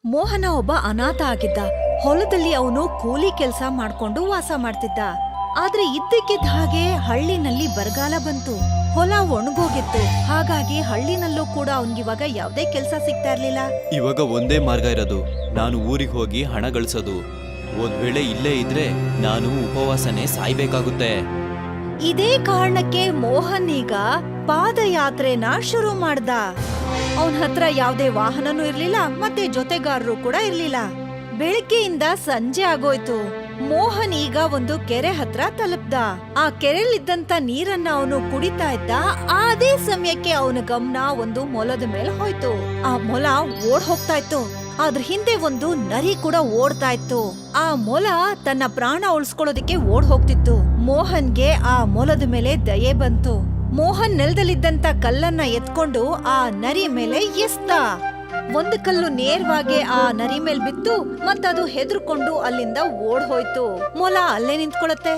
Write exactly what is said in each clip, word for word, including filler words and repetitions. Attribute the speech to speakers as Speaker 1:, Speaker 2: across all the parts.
Speaker 1: ಮೋಹನ ಒಬ್ಬ ಅನಾಥ ಆಗಿದ್ದ. ಹೊಲದಲ್ಲಿ ಅವನು ಕೂಲಿ ಕೆಲಸ ಮಾಡ್ಕೊಂಡು ವಾಸ ಮಾಡ್ತಿದ್ದ. ಆದ್ರೆ ಇದ್ದಕ್ಕಿದ್ದ ಹಾಗೆ ಹಳ್ಳಿನಲ್ಲಿ ಬರಗಾಲ ಬಂತು. ಹೊಲ ಒಣಗೋಗಿತ್ತು. ಹಾಗಾಗಿ ಹಳ್ಳಿನಲ್ಲೂ ಕೂಡ ಅವನ್ಗಿವಾಗ ಯಾವ್ದೇ ಕೆಲ್ಸ ಸಿಗ್ತಾ ಇರ್ಲಿಲ್ಲ.
Speaker 2: ಇವಾಗ ಒಂದೇ ಮಾರ್ಗ ಇರೋದು, ನಾನು ಊರಿಗೆ ಹೋಗಿ ಹಣ ಗಳಿಸೋದು. ಒಂದ್ ವೇಳೆ ಇಲ್ಲೇ ಇದ್ರೆ ನಾನು ಉಪವಾಸನೆ ಸಾಯ್ಬೇಕಾಗುತ್ತೆ.
Speaker 1: ಇದೇ ಕಾರಣಕ್ಕೆ ಮೋಹನ್ ಈಗ ಪಾದಯಾತ್ರೆನ ಶುರು ಮಾಡ್ದ. ಅವನ ಹತ್ರ ಯಾವ್ದೇ ವಾಹನನೂ ಇರ್ಲಿಲ್ಲ, ಮತ್ತೆ ಜೊತೆಗಾರರು ಕೂಡ ಇರ್ಲಿಲ್ಲ. ಬೆಳಗ್ಗೆಯಿಂದ ಸಂಜೆ ಆಗೋಯ್ತು. ಮೋಹನ್ ಈಗ ಒಂದು ಕೆರೆ ಹತ್ರ ತಲುಪ್ದ. ಆ ಕೆರೆಲಿದ್ದಂತ ನೀರನ್ನ ಅವನು ಕುಡಿತಾ ಇದ್ದ. ಅದೇ ಸಮಯಕ್ಕೆ ಅವನ ಗಮನ ಒಂದು ಮೊಲದ ಮೇಲೆ ಹೋಯ್ತು. ಆ ಮೊಲ ಓಡ್ ಹೋಗ್ತಾ ಇತ್ತು. ಅದ್ರ ಹಿಂದೆ ಒಂದು ನರಿ ಕೂಡ ಓಡ್ತಾ ಇತ್ತು. ಆ ಮೊಲ ತನ್ನ ಪ್ರಾಣ ಉಳಿಸ್ಕೊಳ್ಳೋದಕ್ಕೆ ಓಡ್ ಹೋಗ್ತಿತ್ತು. ಮೋಹನ್ಗೆ ಆ ಮೊಲದ ಮೇಲೆ ದಯೆ ಬಂತು. ಮೋಹನ್ ನೆಲದಲ್ಲಿದ್ದಂತ ಕಲ್ಲನ್ನ ಎತ್ಕೊಂಡು ಆ ನರಿ ಮೇಲೆ ಎಸ್ದ. ಒಂದು ಕಲ್ಲು ನೇರವಾಗಿ ಆ ನರಿ ಮೇಲ್ ಬಿತ್ತು, ಮತ್ತದು ಹೆದರ್ಕೊಂಡು ಅಲ್ಲಿಂದ ಓಡ್ ಹೋಯ್ತು. ಮೊಲ ಅಲ್ಲೇ ನಿಂತ್ಕೊಳತ್ತೆ.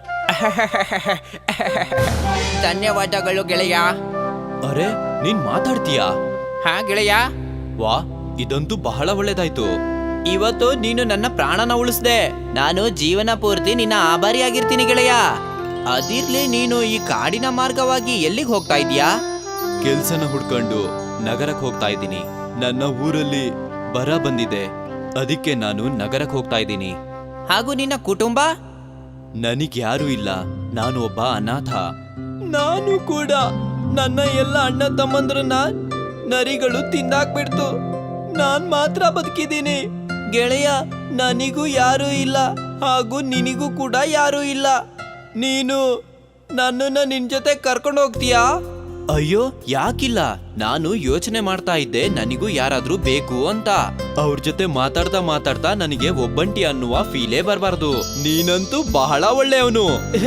Speaker 3: ಧನ್ಯವಾದಗಳು ಗೆಳೆಯ.
Speaker 2: ಅರೆ, ನೀನ್ ಮಾತಾಡ್ತೀಯಾ?
Speaker 3: ಹಾ ಗೆಳೆಯ,
Speaker 2: ವಾ, ಇದಂತೂ ಬಹಳ ಒಳ್ಳೇದಾಯ್ತು.
Speaker 3: ಇವತ್ತು ನೀನು ನನ್ನ ಪ್ರಾಣನ ಉಳಿಸ್ದೆ. ನಾನು ಜೀವನ ಪೂರ್ತಿ ನಿನ್ನ ಆಭಾರಿಯಾಗಿರ್ತೀನಿ ಗೆಳೆಯ. ಅದಿರ್ಲಿ, ನೀನು ಈ ಕಾಡಿನ ಮಾರ್ಗವಾಗಿ ಎಲ್ಲಿಗೆ ಹೋಗ್ತಾ ಇದೀಯಾ?
Speaker 2: ಕೆಲ್ಸನ ಹುಡ್ಕೊಂಡು ನಗರಕ್ಕೆ ಹೋಗ್ತಾ ಇದ್ದೀನಿ. ನನ್ನ ಊರಲ್ಲಿ ಬರ ಬಂದಿದೆ, ಅದಕ್ಕೆ ನಾನು ನಗರಕ್ಕೆ ಹೋಗ್ತಾ ಇದ್ದೀನಿ.
Speaker 3: ಹಾಗೂ ನಿನ್ನ ಕುಟುಂಬ?
Speaker 2: ನನಗ್ ಯಾರು ಇಲ್ಲ, ನಾನು ಒಬ್ಬ ಅನಾಥ. ನಾನು ಕೂಡ. ನನ್ನ ಎಲ್ಲ ಅಣ್ಣ ತಮ್ಮಂದ್ರನ್ನ ನರಿಗಳು ತಿಂದಾಕ್ಬಿಡ್ತು. ನಾನ್ ಮಾತ್ರ ಬದುಕಿದ್ದೀನಿ. ಗೆಳೆಯ, ನನಗೂ ಯಾರೂ ಇಲ್ಲ, ಹಾಗೂ ನಿನಗೂ ಕೂಡ ಯಾರೂ ಇಲ್ಲ. ನೀನು ನನ್ನನ್ನ ನಿನ್ ಜೊತೆ ಕರ್ಕೊಂಡು ಹೋಗ್ತೀಯಾ? ಅಯ್ಯೋ, ಯಾಕಿಲ್ಲ. ನಾನು ಯೋಚನೆ ಮಾಡ್ತಾ ಇದ್ದೆ ನನಗೂ ಯಾರಾದ್ರೂ ಬೇಕು ಅಂತ. ಅವ್ರ ಜೊತೆ ಮಾತಾಡ್ತಾ ಮಾತಾಡ್ತಾ ನನಗೆ ಒಬ್ಬಂಟಿ ಅನ್ನುವ ಫೀಲೇ ಬರಬಾರ್ದು. ನೀನಂತೂ ಬಹಳ ಒಳ್ಳೆಯವನು.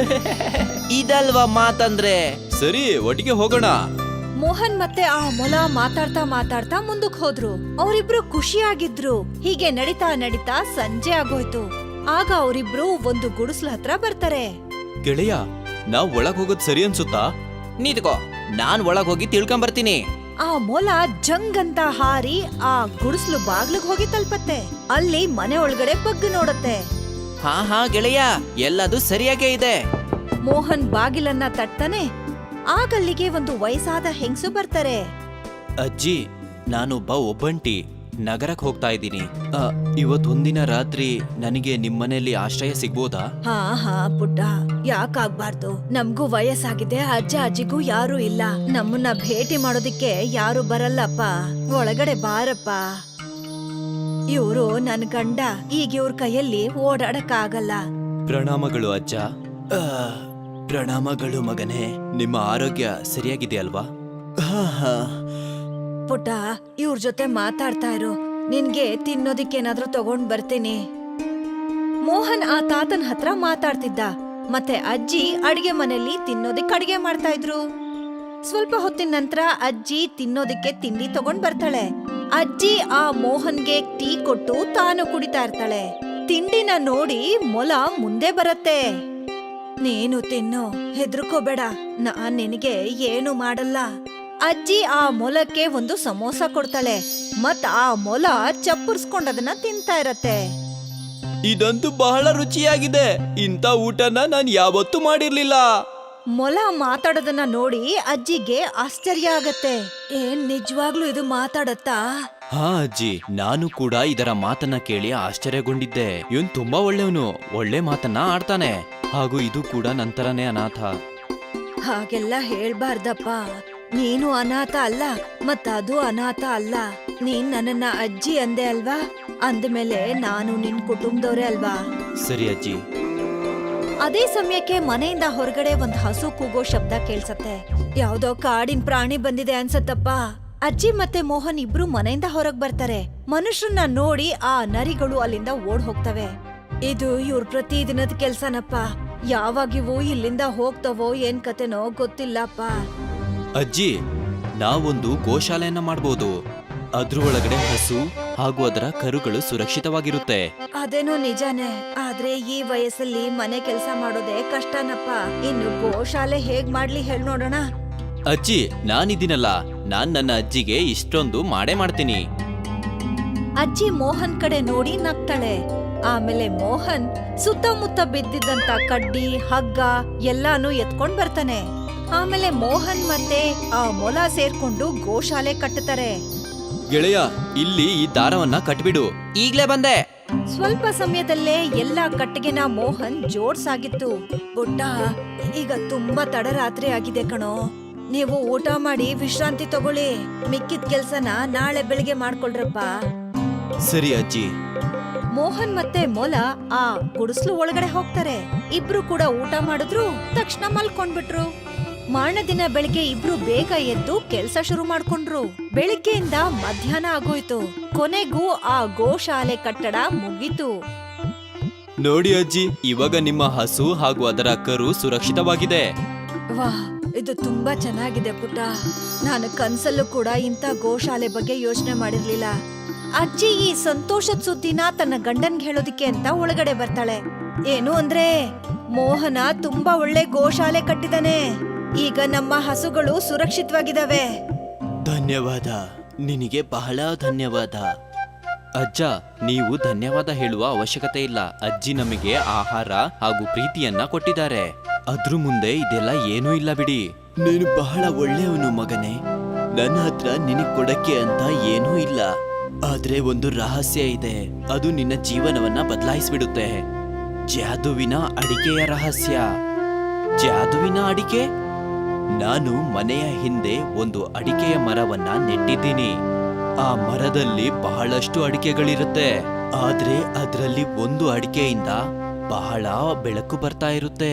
Speaker 3: ಇದಲ್ವಾ ಮಾತಂದ್ರೆ?
Speaker 2: ಸರಿ, ಒಟ್ಟಿಗೆ ಹೋಗೋಣ.
Speaker 1: ಮೋಹನ್ ಮತ್ತೆ ಆ ಮೊಲ ಮಾತಾಡ್ತಾ ಮಾತಾಡ್ತಾ ಮುಂದಕ್ ಹೋದ್ರು. ಅವರಿಬ್ರು ಖುಷಿಯಾಗಿದ್ರು. ಹೀಗೆ ನಡಿತಾ ನಡಿತಾ ಸಂಜೆ ಆಗೋಯ್ತು. ಆಗ ಅವರಿಬ್ರು ಒಂದು ಗುಡಿಸ್ಲ ಹತ್ರ ಬರ್ತಾರೆ.
Speaker 2: ಗೆಳೆಯ, ನಾವ್ ಒಳಗ್ ಹೋಗೋದ್ ಸರಿ ಅನ್ಸುತ್ತಾ?
Speaker 3: ನಿಂತ್ಕೋ, ನಾನ್ ಒಳಗ್ ಹೋಗಿ ತಿಳ್ಕೊಂಬರ್ತೀನಿ.
Speaker 1: ಆ ಮೊಲ ಜಂಗ್ ಅಂತ ಹಾರಿ ಆ ಗುಡಿಸ್ಲು ಬಾಗ್ಲಿಗ್ ಹೋಗಿ ತಲುಪತ್ತೆ. ಅಲ್ಲಿ ಮನೆ ಒಳಗಡೆ ಬಗ್ಗು ನೋಡತ್ತೆ.
Speaker 3: ಹಾ ಹಾ ಗೆಳೆಯ, ಎಲ್ಲದು ಸರಿಯಾಗೇ ಇದೆ.
Speaker 1: ಮೋಹನ್ ಬಾಗಿಲನ್ನ ತಟ್ತಾನೆ. ಆಗಲ್ಲಿಗೆ ಒಂದು ವಯಸ್ಸಾದ ಹೆಂಗಸು ಬರ್ತಾರೆ.
Speaker 2: ಅಜ್ಜಿ, ನಾನೊಬ್ಬ ಒಬ್ಬಂಟಿ. ನಗರಕ್ಕೆ ಹೋಗ್ತಾ ಇದ್ದೀನಿ. ಇವತ್ ಒಂದಿನ ರಾತ್ರಿ ನನಗೆ ನಿಮ್ಮನೇಲಿ ಆಶ್ರಯ ಸಿಗ್ಬೋದಾ?
Speaker 1: ಹಾ ಹಾ ಪುಟ್ಟ, ಯಾಕಾಗ್ಬಾರ್ದು. ನಮ್ಗೂ ವಯಸ್ಸಾಗಿದೆ, ಅಜ್ಜ ಅಜ್ಜಿಗೂ ಯಾರು ಇಲ್ಲ. ನಮ್ಮನ್ನ ಭೇಟಿ ಮಾಡೋದಿಕ್ಕೆ ಯಾರು ಬರಲ್ಲಪ್ಪ. ಒಳಗಡೆ ಬಾರಪ್ಪ. ಇವ್ರು ನನ್ ಗಂಡ. ಈಗ ಇವ್ರ ಕೈಯಲ್ಲಿ ಓಡಾಡಕ್ ಆಗಲ್ಲ.
Speaker 2: ಪ್ರಣಾಮಗಳು ಅಜ್ಜ. ಆ, ಪ್ರಣಾಮಗಳು ಮಗನೇ. ನಿಮ್ಮ ಆರೋಗ್ಯ ಸರಿಯಾಗಿದೆ ಅಲ್ವಾ? ಹಾ ಹಾ.
Speaker 1: ಪುಟ್ಟ, ಇವ್ರ ಜೊತೆ ಮಾತಾಡ್ತಾ ಇರು. ನಿನ್ಗೆ ತಿನ್ನೋದಿಕ್ಕೇನಾದ್ರೂ ತಗೊಂಡ್ ಬರ್ತೀನಿ. ಮೋಹನ್ ಆ ತಾತನ್ ಹತ್ರ ಮಾತಾಡ್ತಿದ್ದ. ಮತ್ತೆ ಅಜ್ಜಿ ಅಡಿಗೆ ಮನೆಯಲ್ಲಿ ತಿನ್ನೋದಿಕ್ ಅಡಿಗೆ ಮಾಡ್ತಾ ಇದ್ರು. ಸ್ವಲ್ಪ ಹೊತ್ತಿನ ನಂತರ ಅಜ್ಜಿ ತಿನ್ನೋದಿಕ್ಕೆ ತಿಂಡಿ ತಗೊಂಡ್ ಬರ್ತಾಳೆ. ಅಜ್ಜಿ ಆ ಮೋಹನ್ಗೆ ಟೀ ಕೊಟ್ಟು ತಾನು ಕುಡಿತಾ ಇರ್ತಾಳೆ. ತಿಂಡಿನ ನೋಡಿ ಮೊಲ ಮುಂದೆ ಬರತ್ತೆ. ನೀನು ತಿನ್ನು, ಹೆದರ್ಕೋಬೇಡ, ನಾನ್ ನಿನಗೆ ಏನು ಮಾಡಲ್ಲ. ಅಜ್ಜಿ ಆ ಮೊಲಕ್ಕೆ ಒಂದು ಸಮೋಸ ಕೊಡ್ತಾಳೆ. ಮತ್ ಆ ಮೊಲ ಚಪ್ಪರ್ಸ್ಕೊಂಡದನ್ನ ತಿಂತಾ ಇರತ್ತೆ.
Speaker 2: ಇದಂತೂ ಬಹಳ ರುಚಿಯಾಗಿದೆ. ಇಂಥ ಊಟನ ನಾನು ಯಾವತ್ತೂ ಮಾಡಿರ್ಲಿಲ್ಲ.
Speaker 1: ಮೊಲ ಮಾತಾಡೋದನ್ನ ನೋಡಿ ಅಜ್ಜಿಗೆ ಆಶ್ಚರ್ಯ ಆಗತ್ತೆ. ಏನ್ ನಿಜವಾಗ್ಲೂ ಇದು ಮಾತಾಡತ್ತಾ?
Speaker 2: ಹಾ ಅಜ್ಜಿ, ನಾನು ಕೂಡ ಇದರ ಮಾತನ್ನ ಕೇಳಿ ಆಶ್ಚರ್ಯಗೊಂಡಿದ್ದೆ. ಇವನ್ ತುಂಬಾ ಒಳ್ಳೆಯವನು, ಒಳ್ಳೆ ಮಾತನ್ನ ಆಡ್ತಾನೆ. ಹಾಗೂ ಇದು ಕೂಡ ನಂತರನೇ ಅನಾಥ.
Speaker 1: ಹಾಗೆಲ್ಲ ಹೇಳ್ಬಾರ್ದಪ್ಪ. ನೀನು ಅನಾಥ ಅಲ್ಲ, ಮತ್ತ ಅದು ಅನಾಥ ಅಲ್ಲ. ನೀನ್ ನನ್ನನ್ನ ಅಜ್ಜಿ ಅಂದೆ ಅಲ್ವಾ? ಅಂದ್ಮೇಲೆ ನಾನು ನಿನ್ ಕುಟುಂಬದವ್ರೆ ಅಲ್ವಾ?
Speaker 2: ಸರಿ ಅಜ್ಜಿ.
Speaker 1: ಅದೇ ಸಮಯಕ್ಕೆ ಮನೆಯಿಂದ ಹೊರಗಡೆ ಒಂದ್ ಹಸು ಕೂಗೋ ಶಬ್ದ ಕೇಳ್ಸತ್ತೆ. ಯಾವ್ದೋ ಕಾಡಿನ ಪ್ರಾಣಿ ಬಂದಿದೆ ಅನ್ಸತ್ತಪ್ಪ. ಅಜ್ಜಿ ಮತ್ತೆ ಮೋಹನ್ ಇಬ್ರು ಮನೆಯಿಂದ ಹೊರಗ್ ಬರ್ತಾರೆ. ಮನುಷ್ಯರನ್ನ ನೋಡಿ ಆ ನರಿಗಳು ಅಲ್ಲಿಂದ ಓಡ್ ಹೋಗ್ತವೆ. ಇದು ಇವ್ರ ಪ್ರತಿದಿನದ ಕೆಲ್ಸನಪ್ಪ. ಯಾವಾಗಿವು ಇಲ್ಲಿಂದ ಹೋಗ್ತವೋ ಏನ್ ಕತೆನೋ ಗೊತ್ತಿಲ್ಲಪ್ಪ.
Speaker 2: ಅಜ್ಜಿ, ನಾವೊಂದು ಗೋಶಾಲೆಯನ್ನ ಮಾಡ್ಬೋದು. ಅದ್ರ ಒಳಗಡೆ ಹಸು ಹಾಗೂ ಅದರ ಕರುಗಳು ಸುರಕ್ಷಿತವಾಗಿರುತ್ತೆ.
Speaker 1: ಅದೇನೋ ನಿಜಾನೇ, ಆದ್ರೆ ಈ ವಯಸ್ಸಲ್ಲಿ ಮನೆ ಕೆಲಸ ಮಾಡೋದೇ ಕಷ್ಟನಪ್ಪ. ಇನ್ನು ಗೋಶಾಲೆ ಹೇಗ್ ಮಾಡ್ಲಿ ಹೇಳ್ ನೋಡೋಣ.
Speaker 2: ಅಜ್ಜಿ, ನಾನಿದ್ದೀನಲ್ಲ, ನಾನ್ ನನ್ನ ಅಜ್ಜಿಗೆ ಇಷ್ಟೊಂದು ಮಾಡೇ ಮಾಡ್ತೀನಿ.
Speaker 1: ಅಜ್ಜಿ ಮೋಹನ್ ಕಡೆ ನೋಡಿ ನಗ್ತಾಳೆ. ಆಮೇಲೆ ಮೋಹನ್ ಸುತ್ತಮುತ್ತ ಬಿದ್ದಿದ್ದಂತ ಕಡ್ಡಿ ಹಗ್ಗ ಎಲ್ಲಾನು ಎತ್ಕೊಂಡ್ ಬರ್ತಾನೆ. ಆಮೇಲೆ ಮೋಹನ್ ಮತ್ತೆ ಆ ಮೊಲ ಸೇರ್ಕೊಂಡು ಗೋಶಾಲೆ ಕಟ್ಟುತ್ತಾರೆ.
Speaker 2: ಗೆಳೆಯ, ಇಲ್ಲಿ ಈ ದಾರವನ್ನ ಕಟ್ಬಿಡು.
Speaker 3: ಈಗ್ಲೇ ಬಂದೆ.
Speaker 1: ಸ್ವಲ್ಪ ಸಮಯದಲ್ಲೇ ಎಲ್ಲಾ ಕಟ್ಟಿಗೆನ ಮೋಹನ್ ಜೋಡ್ಸಾಗಿತ್ತು. ಪುಟ್ಟ, ಈಗ ತುಂಬಾ ತಡರಾತ್ರಿ ಆಗಿದೆ ಕಣೋ. ನೀವು ಊಟ ಮಾಡಿ ವಿಶ್ರಾಂತಿ ತಗೊಳ್ಳಿ. ಮಿಕ್ಕಿದ ಕೆಲ್ಸನ ನಾಳೆ ಬೆಳಿಗ್ಗೆ ಮಾಡ್ಕೊಳ್ರಪ್ಪ.
Speaker 2: ಸರಿ ಅಜ್ಜಿ.
Speaker 1: ಮೋಹನ್ ಮತ್ತೆ ಮೊಲ ಆ ಗುಡಿಸ್ಲು ಒಳಗಡೆ ಹೋಗ್ತಾರೆ. ಇಬ್ರು ಕೂಡ ಊಟ ಮಾಡಿದ್ರು, ತಕ್ಷಣ ಮಲ್ಕೊಂಡ್ಬಿಟ್ರು. ಮಾರನೇ ದಿನ ಬೆಳಿಗ್ಗೆ ಇಬ್ರು ಬೇಗ ಎದ್ದು ಕೆಲ್ಸ ಶುರು ಮಾಡ್ಕೊಂಡ್ರು. ಬೆಳಿಗ್ಗೆಯಿಂದ ಮಧ್ಯಾಹ್ನ ಆಗೋಯ್ತು. ಕೊನೆಗೂ ಆ ಗೋಶಾಲೆ ಕಟ್ಟಡ ಮುಗೀತು.
Speaker 2: ನೋಡಿ ಅಜ್ಜಿ, ಇವಾಗ ನಿಮ್ಮ ಹಸು ಹಾಗೂ ಅದರ ಕರು ಸುರಕ್ಷಿತವಾಗಿದೆ.
Speaker 1: ವಾಹ್, ಇದು ತುಂಬಾ ಚೆನ್ನಾಗಿದೆ ಪುಟ್ಟ. ನಾನು ಕನ್ಸಲ್ಲೂ ಕೂಡ ಇಂಥ ಗೋಶಾಲೆ ಬಗ್ಗೆ ಯೋಚನೆ ಮಾಡಿರ್ಲಿಲ್ಲ. ಅಜ್ಜಿ ಈ ಸಂತೋಷದ ಸುದ್ದಿನ ತನ್ನ ಗಂಡನ್ಗೆ ಹೇಳೋದಿಕ್ಕೆ ಅಂತ ಒಳಗಡೆ ಬರ್ತಾಳೆ. ಏನು ಅಂದ್ರೆ, ಮೋಹನ ತುಂಬಾ ಒಳ್ಳೆ ಗೋಶಾಲೆ ಕಟ್ಟಿದಾನೆ. ಈಗ ನಮ್ಮ ಹಸುಗಳು ಸುರಕ್ಷಿತವಾಗಿದಾವೆ.
Speaker 2: ಧನ್ಯವಾದ, ನಿನಗೆ ಬಹಳ ಧನ್ಯವಾದ. ಅಜ್ಜ, ನೀವು ಧನ್ಯವಾದ ಹೇಳುವ ಅವಶ್ಯಕತೆ ಇಲ್ಲ. ಅಜ್ಜಿ ನಮಗೆ ಆಹಾರ ಹಾಗೂ ಪ್ರೀತಿಯನ್ನ ಕೊಟ್ಟಿದ್ದಾರೆ. ಅದ್ರ ಮುಂದೆ ಇದೆಲ್ಲ ಏನೂ ಇಲ್ಲ ಬಿಡಿ. ನೀನು ಬಹಳ ಒಳ್ಳೆಯವನು ಮಗನೇ. ನನ್ನ ಹತ್ರ ನಿನಗ್ ಕೊಡಕ್ಕೆ ಅಂತ ಏನೂ ಇಲ್ಲ. ಆದ್ರೆ ಒಂದು ರಹಸ್ಯ ಇದೆ, ಅದು ನಿನ್ನ ಜೀವನವನ್ನ ಬದಲಾಯಿಸ್ಬಿಡುತ್ತೆ. ಜಾದುವಿನ ಅಡಿಕೆಯ ರಹಸ್ಯ. ಜಾದುವಿನ ಅಡಿಕೆ? ನಾನು ಮನೆಯ ಹಿಂದೆ ಒಂದು ಅಡಿಕೆಯ ಮರವನ್ನ ನೆಟ್ಟಿದ್ದೀನಿ. ಆ ಮರದಲ್ಲಿ ಬಹಳಷ್ಟು ಅಡಿಕೆಗಳಿರುತ್ತೆ. ಆದ್ರೆ ಅದರಲ್ಲಿ ಒಂದು ಅಡಿಕೆಯಿಂದ ಬಹಳ ಬೆಳಕು ಬರ್ತಾ ಇರುತ್ತೆ.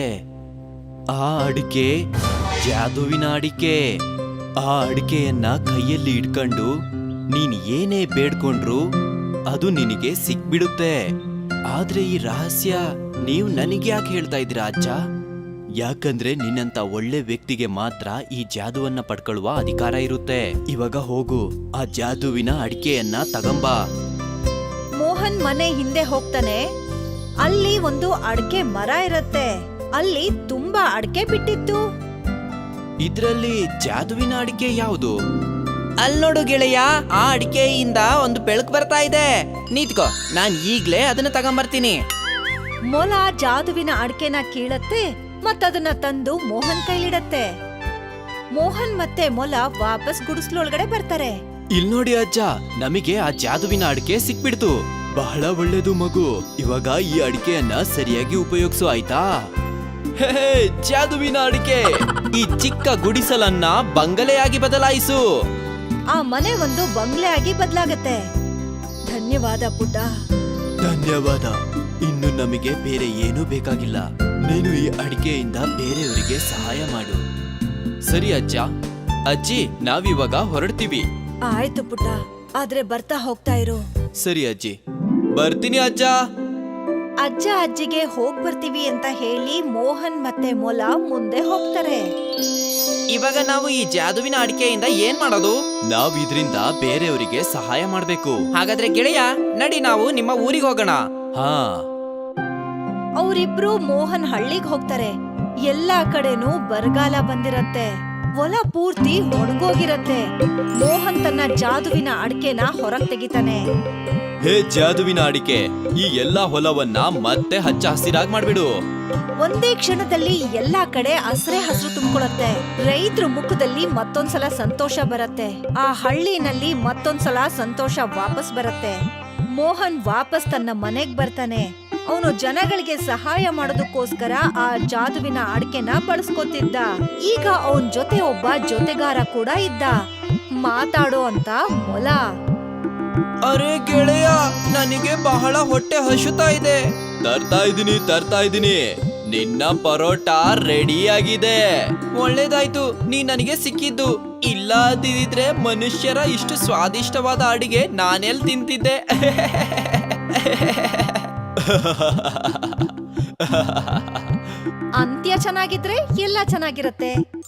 Speaker 2: ಆ ಅಡಿಕೆ ಜಾದುವಿನ ಅಡಿಕೆ. ಆ ಅಡಿಕೆಯನ್ನ ಕೈಯಲ್ಲಿ ಇಟ್ಕೊಂಡು ನೀನ್ ಏನೇ ಬೇಡ್ಕೊಂಡ್ರು ಅದು ನಿನಗೆ ಸಿಕ್ಬಿಡುತ್ತೆ. ಆದ್ರೆ ಈ ರಹಸ್ಯ ನೀವು ನನಗೆ ಯಾಕೆ ಹೇಳ್ತಾ ಇದ್ದೀರಾ ಅಜ್ಜ? ಯಾಕಂದ್ರೆ ನಿನ್ನಂತ ಒಳ್ಳೆ ವ್ಯಕ್ತಿಗೆ ಮಾತ್ರ ಈ ಜಾದುವನ್ನ ಪಡ್ಕೊಳ್ಳುವ ಅಧಿಕಾರ ಇರುತ್ತೆ. ಇವಾಗ ಹೋಗು, ಆ ಜಾದುವಿನ ಅಡಿಕೆಯನ್ನ ತಗಂಬಾ.
Speaker 1: ಮೋಹನ್ ಮನೆ ಹಿಂದೆ ಹೋಗ್ತಾನೆ. ಅಲ್ಲಿ ಒಂದು ಅಡಿಕೆ ಮರ ಇರತ್ತೆ. ಅಲ್ಲಿ ತುಂಬಾ ಅಡಿಕೆ ಬಿಟ್ಟಿತ್ತು.
Speaker 2: ಇದ್ರಲ್ಲಿ ಜಾದುವಿನ ಅಡಿಕೆ ಯಾವುದು?
Speaker 3: ಅಲ್ ನೋಡು ಗೆಳೆಯ, ಆ ಅಡಿಕೆಯಿಂದ ಒಂದು ಬೆಳಕು ಬರ್ತಾ ಇದೆ. ನಿಂತ್ಕೋ, ನಾನ್ ಈಗ್ಲೇ ಅದನ್ನ ತಗೊಂಬರ್ತೀನಿ.
Speaker 1: ಮೊಲ ಜಾದುವಿನ ಅಡಿಕೆನ ಕೀಳತ್ತೆ ಮತ್ತದನ್ನ ತಂದು ಮೋಹನ್ ಕೈಲಿಡತ್ತೆ. ಮೋಹನ್ ಮತ್ತೆ ಮೊಲ ವಾಪಸ್ ಗುಡಿಸ್ಲೊಳಗಡೆ ಬರ್ತಾರೆ.
Speaker 2: ಇಲ್ ನೋಡಿ ಅಜ್ಜ, ನಮಗೆ ಆ ಜಾದುವಿನ ಅಡಿಕೆ ಸಿಕ್ಬಿಡ್ತು. ಬಹಳ ಒಳ್ಳೇದು ಮಗು. ಇವಾಗ ಈ ಅಡಿಕೆಯನ್ನ ಸರಿಯಾಗಿ ಉಪಯೋಗಿಸು, ಆಯ್ತಾ? ಹೇ ಹೇ, ಜಾದುವಿನ ಅಡಿಕೆ, ಈ ಚಿಕ್ಕ ಗುಡಿಸಲನ್ನ ಬಂಗಲೆಯಾಗಿ ಬದಲಾಯಿಸು.
Speaker 1: ಆ ಮನೆ ಒಂದು ಬಂಗ್ಲೆ ಆಗಿ ಬದಲಾಗತ್ತೆ. ಧನ್ಯವಾದ ಪುಟ್ಟ.
Speaker 2: ಧನ್ಯವಾದ. ಇನ್ನು ನಮಗೆ ಬೇರೆ ಏನೂ ಬೇಕಾಗಿಲ್ಲ. ನೀನು ಈ ಅಡಿಕೆಯಿಂದ ಬೇರೆಯವರಿಗೆ ಸಹಾಯ ಮಾಡು. ಸರಿ ಅಜ್ಜ. ಅಜ್ಜಿ, ನಾವಿವಾಗ ಹೊರಡ್ತೀವಿ.
Speaker 1: ಆಯ್ತು ಪುಟ್ಟ, ಆದ್ರೆ ಬರ್ತಾ ಹೋಗ್ತಾ ಇರು.
Speaker 2: ಸರಿ ಅಜ್ಜಿ, ಬರ್ತೀನಿ ಅಜ್ಜ.
Speaker 1: ಅಜ್ಜ ಅಜ್ಜಿಗೆ ಹೋಗ್ ಬರ್ತೀವಿ ಅಂತ ಹೇಳಿ ಮೋಹನ್ ಮತ್ತೆ ಮೊಲ ಮುಂದೆ ಹೋಗ್ತಾರೆ.
Speaker 3: ಇವಾಗ ನಾವು ಈ ಜಾದುವಿನ ಅಡಿಕೆಯಿಂದ ಏನ್ ಮಾಡೋದು?
Speaker 2: ನಾವ್ ಇದ್ರಿಂದ ಬೇರೆಯವರಿಗೆ ಸಹಾಯ ಮಾಡ್ಬೇಕು.
Speaker 3: ಹಾಗಾದ್ರೆ ಗೆಳೆಯ, ನಡಿ ನಾವು ನಿಮ್ಮ ಊರಿಗೆ ಹೋಗೋಣ.
Speaker 2: ಹಾ.
Speaker 1: ಅವರಿಬ್ರು ಮೋಹನ್ ಹಳ್ಳಿಗ್ ಹೋಗ್ತಾರೆ. ಎಲ್ಲಾ ಕಡೆನೂ ಬರಗಾಲ ಬಂದಿರತ್ತೆ. ಹೊಲ ಪೂರ್ತಿ ಒಣಗೋಗಿರತ್ತೆ. ಮೋಹನ್ ತನ್ನ ಜಾದುವಿನ ಅಡಿಕೆನ ಹೊರಗ್ ತೆಗಿತಾನೆ.
Speaker 2: ಹೇ ಜಾದುವಿನ ಅಡಿಕೆ, ಈ ಎಲ್ಲಾ ಹೊಲವನ್ನ ಮತ್ತೆ ಹಚ್ಚ ಹಸಿರಾಗಿ ಮಾಡ್ಬಿಡು.
Speaker 1: ಒಂದೇ ಕ್ಷಣದಲ್ಲಿ ಎಲ್ಲಾ ಕಡೆ ಹಸ್ರೆ ಹಸಿರು ತುಂಬಿಕೊಳ್ಳುತ್ತೆ. ರೈತರ ಮುಖದಲ್ಲಿ ಮತ್ತೊಂದ್ಸಲ ಸಂತೋಷ ಬರತ್ತೆ. ಆ ಹಳ್ಳಿನಲ್ಲಿ ಮತ್ತೊಂದ್ಸಲ ಸಂತೋಷ ವಾಪಸ್ ಬರತ್ತೆ. ಮೋಹನ್ ವಾಪಸ್ ತನ್ನ ಮನೆಗ್ ಬರ್ತಾನೆ. ಅವನು ಜನಗಳಿಗೆ ಸಹಾಯ ಮಾಡೋದಕ್ಕೋಸ್ಕರ ಆ ಜಾದುವಿನ ಅಡಿಕೆನ ಬಳಸ್ಕೊತಿದ್ದ. ಈಗ ಅವನ್ ಜೊತೆ ಒಬ್ಬ ಜೊತೆಗಾರ ಕೂಡ ಇದ್ದ, ಮಾತಾಡೋ ಅಂತ ಮೊಲ.
Speaker 3: ಅರೆ ಗೆಳೆಯ, ನನಗೆ ಬಹಳ ಹೊಟ್ಟೆ ಹಸುತ್ತಾ ಇದೆ.
Speaker 2: ತರ್ತಾ ಇದೀನಿ ತರ್ತಾ ಇದೀನಿ ನಿನ್ನ ಪರೋಟ ರೆಡಿ ಆಗಿದೆ.
Speaker 3: ಒಳ್ಳೇದಾಯ್ತು, ನೀ ನನಗೆ ಸಿಕ್ಕಿದ್ದು. ಇಲ್ಲ ಅಂದಿದ್ರೆ ಮನುಷ್ಯರ ಇಷ್ಟು ಸ್ವಾದಿಷ್ಟವಾದ ಅಡಿಗೆ ನಾನೆಲ್ ತಿಂತಿದ್ದೆ.
Speaker 1: ಅಂತ್ಯ ಚೆನ್ನಾಗಿದ್ರೆ ಎಲ್ಲ ಚೆನ್ನಾಗಿರತ್ತೆ.